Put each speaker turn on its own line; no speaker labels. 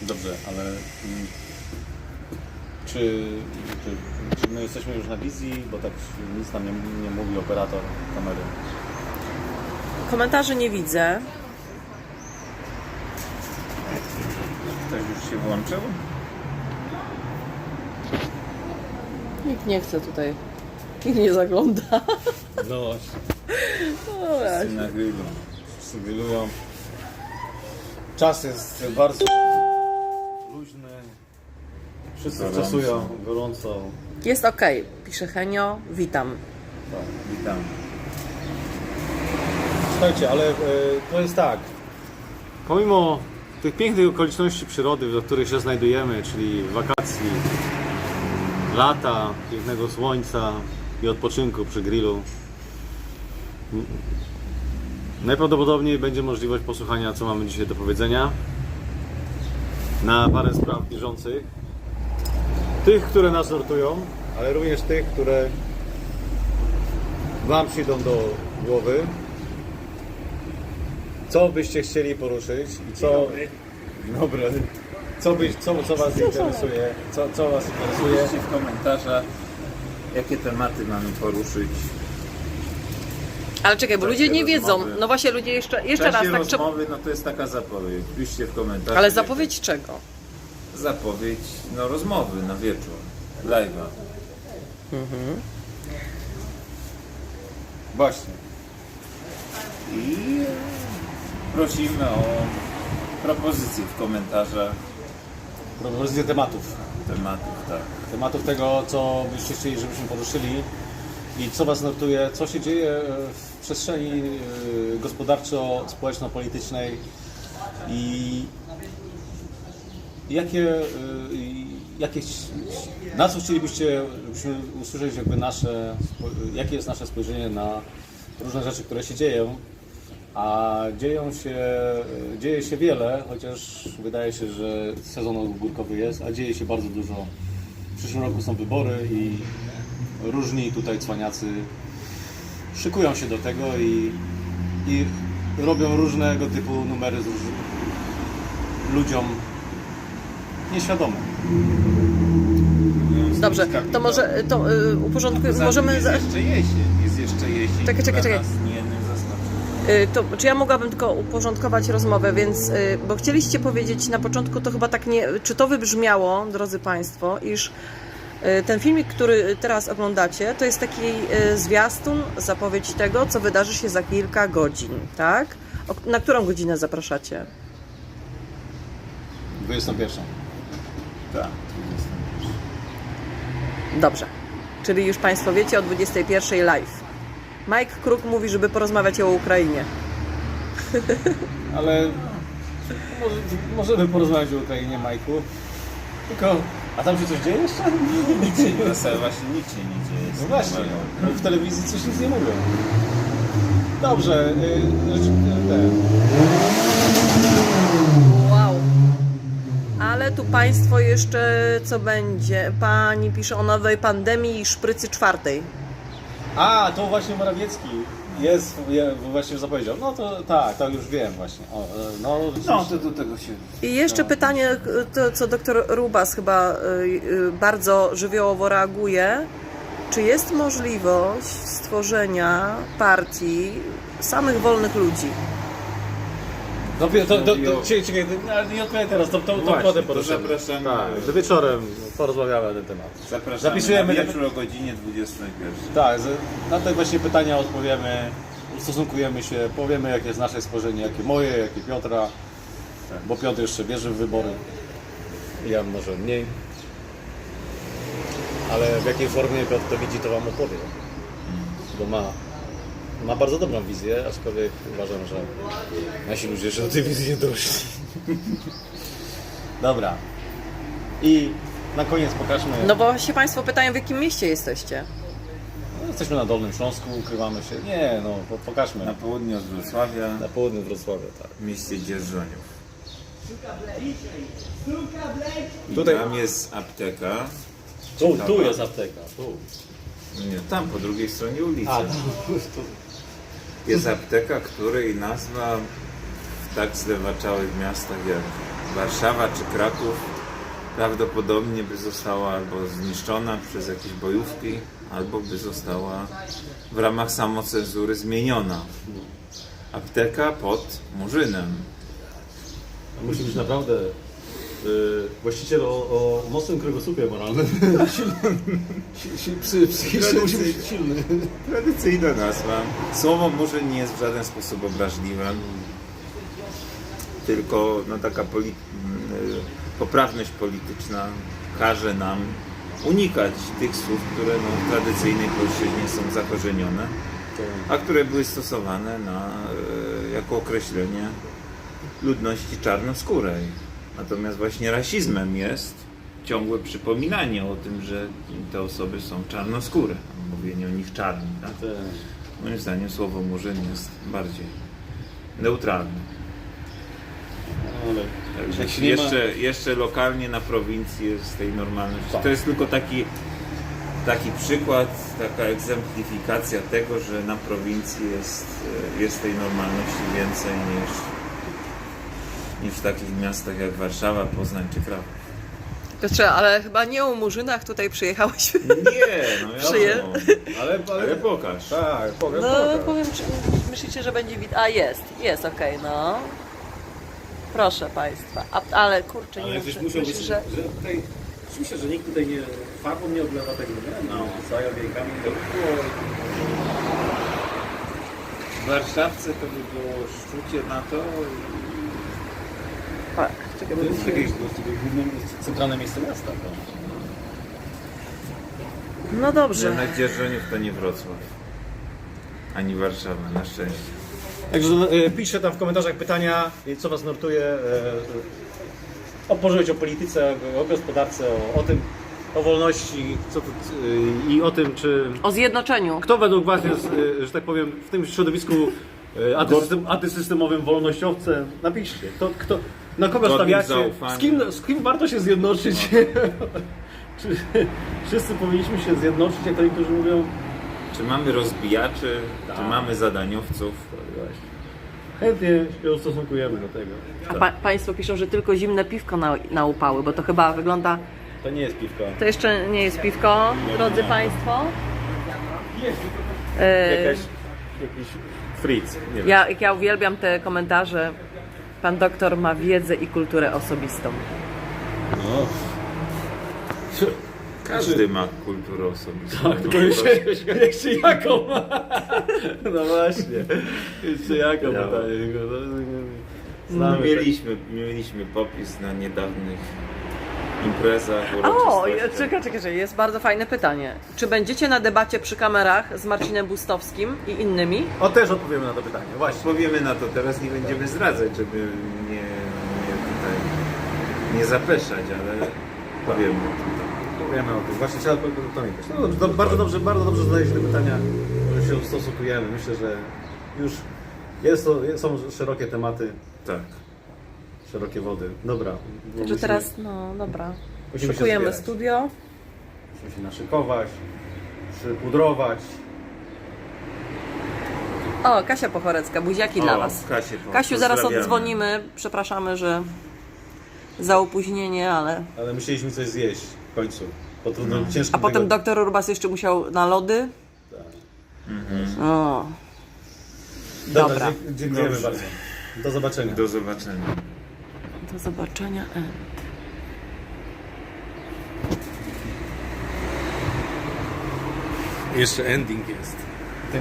Dobrze, ale czy my jesteśmy już na wizji, bo tak nic nam nie mówi operator kamery.
Komentarzy nie widzę.
Ktoś już się włączył?
Nikt nie chce tutaj. Nikt nie zagląda.
No właśnie.
No właśnie.
Na grillu.
Wszyscy grillują. Czas jest bardzo luźny. Wszyscy
Gorąco.
stresują, gorąco.
Jest okej, pisze Henio. Witam.
Tak.
Witam.
Słuchajcie, ale to jest tak. Pomimo tych pięknych okoliczności przyrody, w których się znajdujemy, czyli wakacji, lata, pięknego słońca i odpoczynku przy grillu, najprawdopodobniej będzie możliwość posłuchania, co mamy dzisiaj do powiedzenia na parę spraw bieżących. Tych, które nas nurtują, ale również tych, które Wam przyjdą do głowy. Co byście chcieli poruszyć i co... Dobry. Co Was interesuje? Co Was interesuje?
Piszcie w komentarzach, jakie tematy mamy poruszyć.
Ale czekaj, bo
W
ludzie
czasie
nie wiedzą.
rozmowy.
No właśnie, ludzie jeszcze
W
raz
czasie
tak.
rozmowy, no to jest taka zapowiedź. Piszcie w komentarzach.
Ale zapowiedź czego?
Zapowiedź, no rozmowy na wieczór. Live'a.
Właśnie.
I prosimy o propozycje w komentarzach
Propozycje tematów.
tematów, tak.
Tematów tego, co byście chcieli, żebyśmy poruszyli i co Was nurtuje, co się dzieje w przestrzeni gospodarczo-społeczno-politycznej i na co chcielibyście, żebyśmy usłyszeć jakby jakie jest nasze spojrzenie na różne rzeczy, które się dzieją, a dzieje się wiele, chociaż wydaje się, że sezon ogórkowy jest, a dzieje się bardzo dużo. W przyszłym roku są wybory i różni tutaj cwaniacy szykują się do tego i robią różnego typu numery z ludziom nieświadomym.
Dobrze, to może uporządkujemy. Możemy.
Jest jeszcze jesień. Jest jeszcze jesień.
Czekaj.
która nas nie zaskoczy.
Czy ja mogłabym tylko uporządkować rozmowę, więc, bo chcieliście powiedzieć na początku, to chyba tak nie, czy to wybrzmiało, drodzy Państwo, iż ten filmik, który teraz oglądacie, to jest taki zwiastun, zapowiedź tego, co wydarzy się za kilka godzin, tak? Na którą godzinę zapraszacie?
21.
Tak.
Dobrze, czyli już Państwo wiecie o 21 live. Mike Kruk mówi, żeby porozmawiać o Ukrainie.
Ale możemy porozmawiać o Ukrainie, Majku. Tylko, a tam się coś dzieje jeszcze? Nic się nie
Zasad właśnie nic się nie dzieje.
No właśnie, w telewizji coś nic nie mówią. Dobrze,
Wow. Ale tu Państwo jeszcze co będzie? Pani pisze o nowej pandemii i szprycy czwartej.
A, to właśnie Morawiecki jest, właśnie zapowiedział. No to tak, to już wiem właśnie.
No to do tego się...
I jeszcze pytanie, to, co doktor Rubas chyba bardzo żywiołowo reaguje. Czy jest możliwość stworzenia partii samych wolnych ludzi?
Czekaj, ale nie odpowiem teraz, to
Właśnie,
potem
to
poruszymy.
zapraszamy.
Tak, że wieczorem porozmawiamy na ten temat.
Zapraszamy
Zapisujemy
na wieczór o godzinie 21.
Tak, na te właśnie pytania odpowiemy, ustosunkujemy się, powiemy jakie jest nasze spojrzenie, jakie moje, jakie Piotra, bo Piotr jeszcze wierzy w wybory, ja może mniej, ale w jakiej formie Piotr to widzi, to Wam opowie, bo ma bardzo dobrą wizję, aczkolwiek uważam, że nasi ludzie jeszcze do tej wizji nie doszli. Dobra, i na koniec pokażmy...
No bo się Państwo pytają, w jakim mieście jesteście?
No, jesteśmy na Dolnym Śląsku, ukrywamy się. Nie, no pokażmy.
Na południe od Wrocławia,
Na południu Wrocławia, tak.
w mieście Dzierżoniów.
Tutaj-
Tam jest apteka.
Tu jest apteka. Tu.
Nie, tam po drugiej stronie ulicy.
A,
Jest apteka, której nazwa w tak zlewaczałych miastach jak Warszawa czy Kraków prawdopodobnie by została albo zniszczona przez jakieś bojówki, albo by została w ramach samocenzury zmieniona. Apteka pod Murzynem.
Musi być naprawdę właściciel o mocnym kręgosłupie moralnym. Psychicznie musi być silny.
Tradycyjna nazwa. Słowo Murzyn nie jest w żaden sposób obraźliwe, tylko no, taka poprawność polityczna każe nam unikać tych słów, które no, w tradycyjnej polszczyźnie są zakorzenione, a które były stosowane jako określenie ludności czarnoskórej. Natomiast właśnie rasizmem jest ciągłe przypominanie o tym, że te osoby są czarnoskóre, mówienie o nich czarni. Tak? Moim zdaniem słowo Murzyn jest bardziej neutralne. Także jeszcze lokalnie na prowincji jest tej normalności. To jest tylko taki przykład, taka egzemplifikacja tego, że na prowincji jest tej normalności więcej niż w takich miastach jak Warszawa, Poznań czy Kraków.
Piotrze, ale chyba nie o Murzynach tutaj przyjechałeś.
Nie, no
Przyje-
ale pokaż.
Tak, powiem.
No powiem, czy myślicie, że będzie widać? A jest okej, no. Proszę Państwa. Ale kurczę, nie
Ale
wiem,
gdzieś
czy
musiał być,
myślisz,
że
że...
tutaj, myślę, że nikt tutaj nie, farbą nie oblewa tego, nie? No, całymi wiejkami.
W Warszawce to by było szczucie na to.
Tak, czekaj,
To jest jakieś centralne miejsce miasta.
no dobrze.
Jednak Dzierżoniów to nie Wrocław. Ani Warszawa, na szczęście.
Także piszcie tam w komentarzach pytania, co Was nurtuje o polityce, o gospodarce, o tym, o wolności i o tym, czy
O zjednoczeniu.
kto według Was jest, że tak powiem, w tym środowisku antysystemowym wolnościowcem. Napiszcie, na kogo
Godnym
stawiacie,
zaufania.
z kim warto się zjednoczyć. Czy wszyscy powinniśmy się zjednoczyć, jak to niektórzy mówią?
Czy mamy rozbijaczy,
Tak.
czy mamy zadaniowców?
Chętnie się ustosunkujemy do tego.
A Państwo piszą, że tylko zimne piwko na upały, bo to chyba wygląda...
To nie jest piwko.
To jeszcze nie jest piwko, drodzy Państwo.
Jakiś fritz. Nie wiem.
Ja uwielbiam te komentarze. Pan doktor ma wiedzę i kulturę osobistą.
No.
Każdy ma kulturę osobistą.
Tak, tylko jeszcze jaką ma? No właśnie. Jeszcze jaką ma? Znamy.
Mieliśmy popis na niedawnych imprezach,
O,
uroczystościach.
czekaj, jest bardzo fajne pytanie. Czy będziecie na debacie przy kamerach z Marcinem Bustowskim i innymi?
O, też odpowiemy na to pytanie, właśnie.
Powiemy na to teraz, nie będziemy zdradzać, żeby nie zapeszać, ale powiemy o tym.
Powiemy o tym. Właśnie trzeba pamiętać. No dobrze, bardzo dobrze zadajecie te pytania, że się ustosunkujemy. Myślę, że już są szerokie tematy,
Tak.
szerokie wody. Dobra.
Także teraz, no dobra.
musimy się
Szykujemy
zbierać.
studio.
Musimy się naszykować, przypudrować.
O, Kasia Pochorecka, buziaki dla Was. Kasiu, zaraz
pozdrawiamy.
oddzwonimy. Przepraszamy, że za opóźnienie, ale...
Ale musieliśmy coś zjeść w końcu. Po trudnym, ciężkim
A potem
tygodniu.
doktor Urbas jeszcze musiał na lody. O. Dobra.
Dziękujemy
Dobrze.
bardzo. Do zobaczenia.
Do zobaczenia.
Do zobaczenia.
Jeszcze ending jest.